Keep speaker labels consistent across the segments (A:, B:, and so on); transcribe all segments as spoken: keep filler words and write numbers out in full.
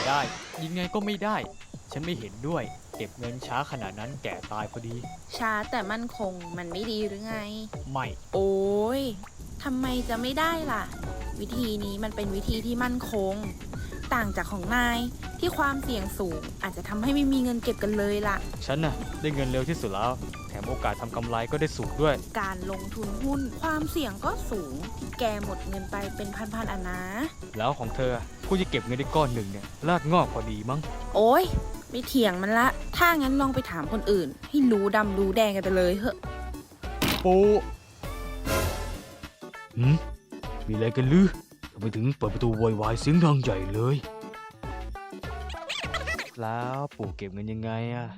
A: ได้ยังไงก็ไม่ได้ฉันไม่เห็นด้วยเก็บเงินช้าขนาดนั้นแก่ตายพอดี
B: ช้าแต่มั่นคงมันไม่ดีหรือไง
A: ไม่
B: โอ้ยทำไมจะไม่ได้ล่ะวิธีนี้มันเป็นวิธีที่มั่นคงต่างจากของนายที่ความเสี่ยงสูงอาจจะทำให้ไม่มีเงินเก็บกันเลยล่ะ
A: ฉันน่ะได้เงินเร็วที่สุดแล้วแถมโอกาสทำกำไรก็ได้สูงด้วย
B: การลงทุนหุ้นความเสี่ยงก็สูงที่แกหมดเงินไปเป็นพันๆอันนะ
A: แล้วของเธอผู้จะเก็บเงินได้ก้อนหนึ่งเนี่ยรากงอกพอดีมั้ง
B: โอ้ยไม่เถียงมันละถ้างั้นลองไปถามคนอื่นให้รู้ดำรู้แดงกันไปเลยเหอะ
A: ปูหืมมีอะไรกันลือทำไมถึงเปิดประตูโวยวายเสียงดังใหญ่เลยแล้วปู่เก็บเงินยังไงอะ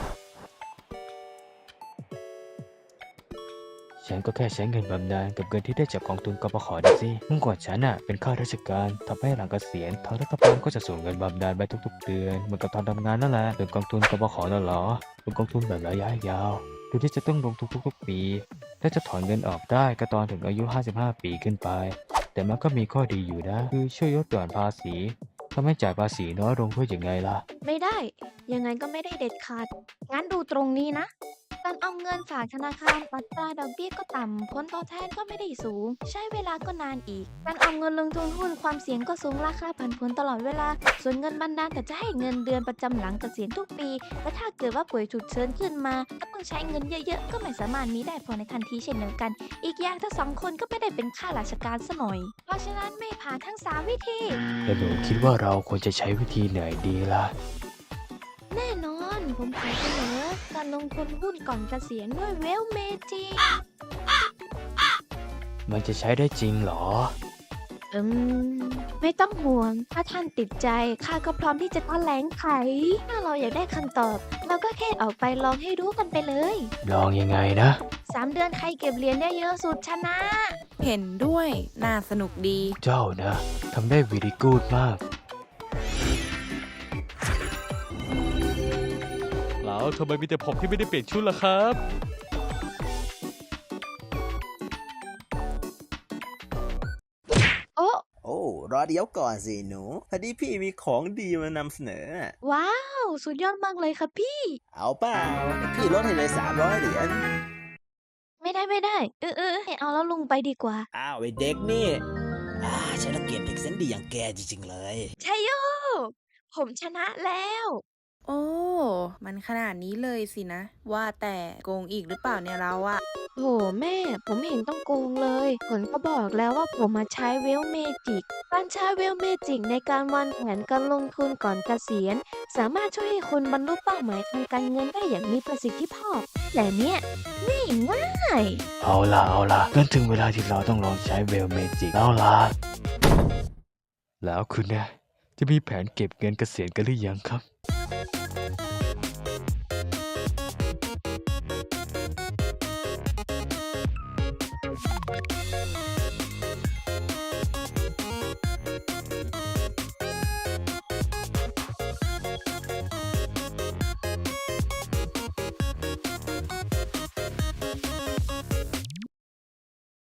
A: ฉันก็แค่ใช้เงินบำนาญกับเงินที่ได้จากกองทุนกปขดิสิเมื่อก่อนฉันน่ะเป็นข้าราชการทำให้หลังเกษียณทางรัฐบาลก็จะส่งเงินบำนาญไปทุกๆเดือนเหมือนกับตอนทำงานนั่นแหละเป็นกองทุนกปขนั่นเหรอเป็นกองทุนแบบระยะยาวโดยที่จะต้องลงทุนทุกๆปีและจะถอนเงินออกได้ก็ตอนถึงอายุห้าสิบห้าปีขึ้นไปแต่มันก็มีข้อดีอยู่นะคือช่วยลดหย่อนภาษีทำให้จ่ายภาษีน้อยลงเพื่ออย่างไงล่ะ
C: ไม่ได้ยังไงก็ไม่ได้เด็ดขาดงั้นดูตรงนี้นะการเอาเงินฝากธนาคารอัตราดอกเบี้ยก็ต่ำผลตอบแทนก็ไม่ได้สูงใช้เวลาก็นานอีกการเอาเงินลงทุนหุ้นความเสี่ยงก็สูงราคาผันผวนตลอดเวลาส่วนเงินบำนาญแต่จะให้เงินเดือนประจำหลังเกษียณทุกปีและถ้าเกิดว่าป่วยฉุกเฉินขึ้นมาก็ต้องใช้เงินเยอะๆก็ไม่สามารถมีได้พอในทันทีเช่นเดียวกันอีกอย่างทั้งสองคนก็ไม่ได้เป็นข้าราชการซะหน่อยเพราะฉะนั้นไม่ผ่านทั้งสามวิธี
A: แล้วหนูคิดว่าเราควรจะใช้วิธีไหนดีล่ะ
C: แน่นอนผมขอเสนอการลงทุนหุ้นก่อนเกษียณด้วยเวลเมจิ
A: มันจะใช้ได้จริงเหรอ
C: อืมไม่ต้องห่วงถ้าท่านติดใจข้าก็พร้อมที่จะแถลงไขถ้าเราอยากได้คำตอบเราก็แค่ออกไปลองให้รู้กันไปเลย
A: ลองยังไงนะ
C: สามเดือนใครเก็บเหรียญได้เยอะสุดชนะ
B: เห็นด้วยน่าสนุกดี
A: เจ้านะทำได้วีดีกูดมากแล้วทำไมมีแต่ผมที่ไม่ได้เปลี่ยนชุดล่ะครับ
C: โอ้
D: โอ้รอเดี๋ยวก่อนสิหนูพอดีพี่มีของดีมานำเสนอ
C: ว้าวสุดยอดมากเลยค่ะพี่
D: เอาเปล่าพี่ลดให้เลยสามร้อยเหรียญ
C: ไม่ได้ไม่ได้เออเออให้เอาแล้วลุงไปดีกว่า
D: อ้าวไอเด็กนี่อ่าฉันละเกียดเด็กเส้นดีอย่างแกจริงๆเลย
C: ชัยโยผมชนะแล้ว
B: โอ้มันขนาดนี้เลยสินะว่าแต่โกงอีกหรือเปล่าเนี่ยเราอะ
C: โหแม่ผมไม่เห็นต้องโกงเลยผลก็บอกแล้วว่าผมมาใช้เวลเมจิกการใช้เวลเมจิกในการวางแผนการลงทุนก่อนเกษียณสามารถช่วยให้คุณบรรลุเป้าหมายทางการเงินได้อย่างมีประสิทธิภาพแต่เนี้ยนี่ง่าย
A: เอาล่ะเอาล่ะก็ถึงเวลาที่เราต้องลองใช้เวลเมจิกแล้วล่ะแล้วคุณเนี่ยจะมีแผนเก็บเงินเกษียณกันหรือยังครับ